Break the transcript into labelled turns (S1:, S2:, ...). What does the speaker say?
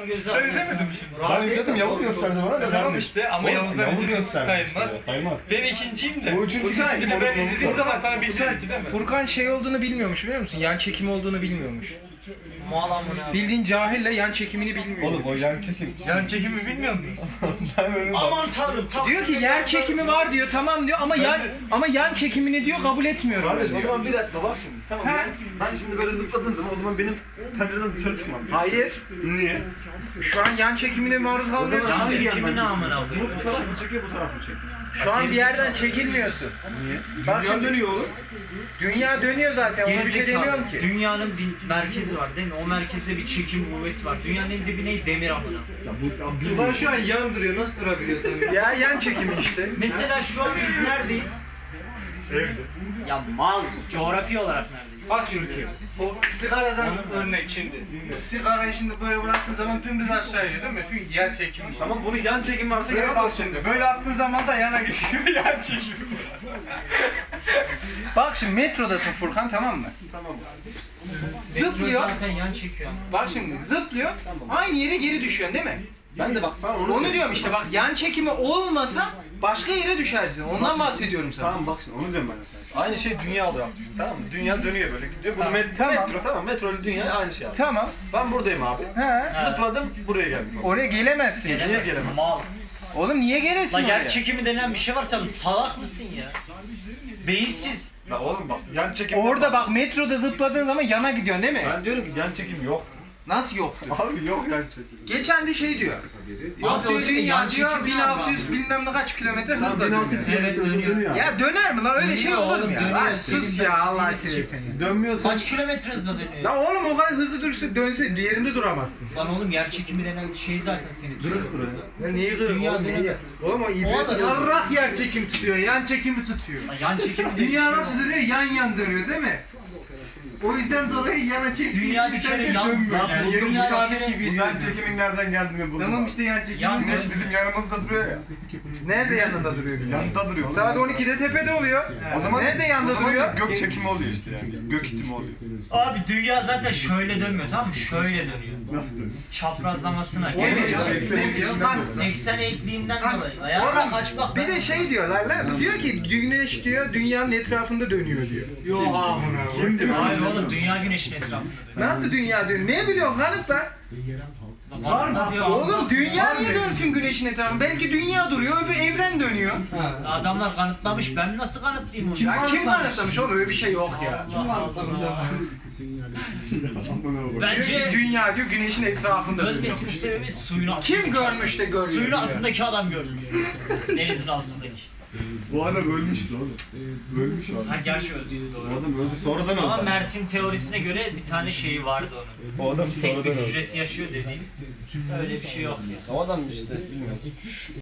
S1: Yavuz'un gözü
S2: Sen izlemedin mi şimdi?
S3: Ben izledim, Yavuz gösterdi bana da.
S2: Tamam işte ama Yavuz'dan izlediğimiz sayılmaz.
S3: Saymaz.
S2: Ben ikinciyim de.
S3: O üçüncü
S2: Utay,
S3: kişi
S2: ben
S3: kim
S2: izlediğim
S3: olduğunu
S2: zaman sana bildirirdi değil mi?
S4: Furkan şey olduğunu bilmiyormuş biliyor musun? Yan çekimi olduğunu bilmiyormuş.
S1: Mal amına.
S4: Bildiğin cahille yan çekimini bilmiyor.
S3: Oğlum o yan çekim.
S2: Yan çekimi bilmiyor musun?
S3: Ben öyle
S1: Aman tanrım.
S4: Diyor ki yer çekimi var diyor, tamam diyor ama yan çekimini diyor kabul etmiyorum.
S3: Kardeş o
S4: diyor.
S3: zaman bir dakika bak şimdi. Tamam
S4: He.
S3: ben şimdi böyle zıpladığım zaman o zaman benim pencereden dışarı çıkmam.
S4: Hayır.
S3: Niye?
S4: Şu an yan çekimine maruz
S1: Yan
S4: kalmıyorsun.
S1: çekimi ne amına
S3: Bu
S1: koyayım?
S3: taraf mı çekiyor bu taraf mı çekiyor?
S4: Şu an bir yerden çekilmiyorsun.
S3: Niye?
S4: Bak
S3: Dünya
S4: şimdi
S3: dönüyor oğlum.
S4: dünya dönüyor zaten, ona bir şey
S1: Gerizekalı.
S4: demiyorum ki.
S1: Dünyanın bir merkezi var değil mi? O merkezde bir çekim kuvveti var. Dünyanın en dibi ne? Demir amına.
S5: Ulan şu an yan duruyor, nasıl durabiliyorsun?
S4: Ya yan çekimi işte.
S1: Mesela şu an biz neredeyiz?
S3: Evde.
S1: Ya mal, coğrafi olarak neredeyiz?
S5: Bak Türkiye. O sigaradan örnek şimdi. Bu sigarayı şimdi böyle bıraktığın zaman dümdüz aşağı iniyor değil mi? Çünkü yer çekimi.
S3: Tamam bunu yan çekim varsa
S5: Böyle
S3: yana
S5: bak
S3: bak
S5: şimdi. Böyle attığın zaman da yana geçiyor. Yan çekimi.
S4: Bak şimdi metrodasın Furkan, tamam mı?
S3: Tamam.
S4: Zıplıyor.
S1: Zaten yan çekiyor.
S4: Bak şimdi zıplıyor. Aynı yere geri düşüyorsun değil mi?
S3: Ben de bak sana
S4: Onu diyorum işte, bak yan çekimi olmasa başka yere düşersin. Ondan bahsediyorum sana.
S3: Tamam bak şimdi onu diyorum ben de sana. Aynı şey dünya olarak düşün, tamam mı? Dünya dönüyor böyle gidiyor. Bu
S4: Tamam.
S3: metro tamam, metro ile dünya aynı şey abi.
S4: Tamam.
S3: Ben buradayım abi.
S4: He.
S3: Zıpladım buraya geldim.
S4: Oraya gelemezsin.
S3: Niye gelemem?
S1: Mal.
S4: Oğlum niye gelesin
S1: Lan
S4: oraya?
S1: yer çekimi denen bir şey var, sen salak mısın ya? Beyinsiz.
S3: La oğlum bak yan çekim.
S4: Orada bak metroda zıpladığın zaman yana gidiyorsun değil mi?
S3: Ben diyorum ki yan çekim yok.
S4: Nasıl yoktu?
S3: Abi yok yan çekim.
S4: Geçen de şey diyor. Yok
S1: Abi
S4: diyor
S1: öyle de yan
S4: dünya diyor
S1: çekimi
S4: 1600
S1: var.
S4: bilmem ne kaç kilometre hızla dönüyor.
S1: Evet, dönüyor.
S4: Ya döner mi lan, öyle şey
S1: Dönüyor
S4: olur mu
S1: oğlum,
S4: ya?
S1: dönüyor.
S4: Lan sus ya, Allah aşkına sen ya.
S3: Dönmüyorsun.
S1: Kaç kilometre hızla dönüyor?
S4: Lan oğlum o kadar hızlı dursa dönse yerinde duramazsın.
S1: Lan oğlum yer çekimi denen şey zaten seni tutuyor.
S4: Ya niye kırık
S1: Dünya
S4: oğlum,
S1: dönemez.
S4: niye? Oğlum o
S1: O
S4: ibresi
S1: adam-
S5: Yarrak yer çekim tutuyor, yan çekimi tutuyor.
S1: Lan yan çekimi diye bir
S5: Dünya
S1: şey
S5: nasıl
S1: yok.
S5: dönüyor? Yan yan dönüyor değil mi? O yüzden dolayı yana çektiği
S1: Dünya
S5: için
S1: bir
S5: sen
S1: kere
S5: de
S1: yan-
S5: dönmüyor.
S1: yani
S5: Yarım
S1: dünya bir
S5: sabit
S1: kere-
S5: gibi
S3: Bu yan
S5: hissediyorsun.
S3: çekimin nereden geldiğini buldum.
S5: Tamam
S3: bak.
S5: işte yan çekimi.
S1: Yan-
S3: Güneş bizim yanımızda duruyor ya.
S4: Nerede yanında duruyor güneş?
S3: Yanında duruyor.
S4: Saat 12'de tepede oluyor.
S3: O zaman
S4: Nerede yanında
S3: o zaman
S4: duruyor?
S3: Gök çekimi oluyor işte yani. Gök itimi oluyor.
S1: Abi dünya zaten şöyle dönmüyor, tamam mı? Şöyle dönüyor.
S3: Nasıl dönüyor?
S1: Çaprazlamasına.
S5: Gene
S1: Gene
S5: yan çekimi. Lan
S1: eksen eğikliğinden dolayı. Ayağına kaç bak.
S4: Bir de şey diyorlar lan, diyor ki güneş diyor dünyanın etrafında dönüyor diyor.
S5: Yok amına.
S3: Kim diyor?
S1: Hayır oğlum, dünya güneşin etrafında dönüyor.
S4: Nasıl dünya dönüyor? Ne biliyorsun kanıtla?
S1: Var mı?
S4: Oğlum dünya niye dönsün güneşin etrafında? Belki dünya duruyor, öbür evren dönüyor.
S1: Adamlar kanıtlamış, ben nasıl kanıtlayayım onu?
S4: Ya kim kanıtlamış oğlum, öyle bir şey yok ya.
S1: Allah Allah.
S4: Diyor ki
S1: Bence
S4: dünya diyor güneşin etrafında dönüyor.
S1: dönmesinin sebebi suyun altında.
S4: Kim görmüş de görüyor?
S1: Suyun
S4: diyor.
S1: altındaki adam görmüş. Denizin altındaki.
S3: Bu adam ölmüştü oğlum. Ölmüş o
S1: Ha
S3: adam.
S1: gerçi öldüydü
S3: O
S1: doğru.
S3: adam öldü sonradan
S1: Ama
S3: öldü.
S1: Mert'in teorisine göre bir tane şeyi vardı onun.
S3: O adam
S1: Tek bir
S3: sonradan öldü.
S1: hücresi yaşıyor dediğin. Öyle bir şey yok ya.
S3: O adam işte bilmiyorum.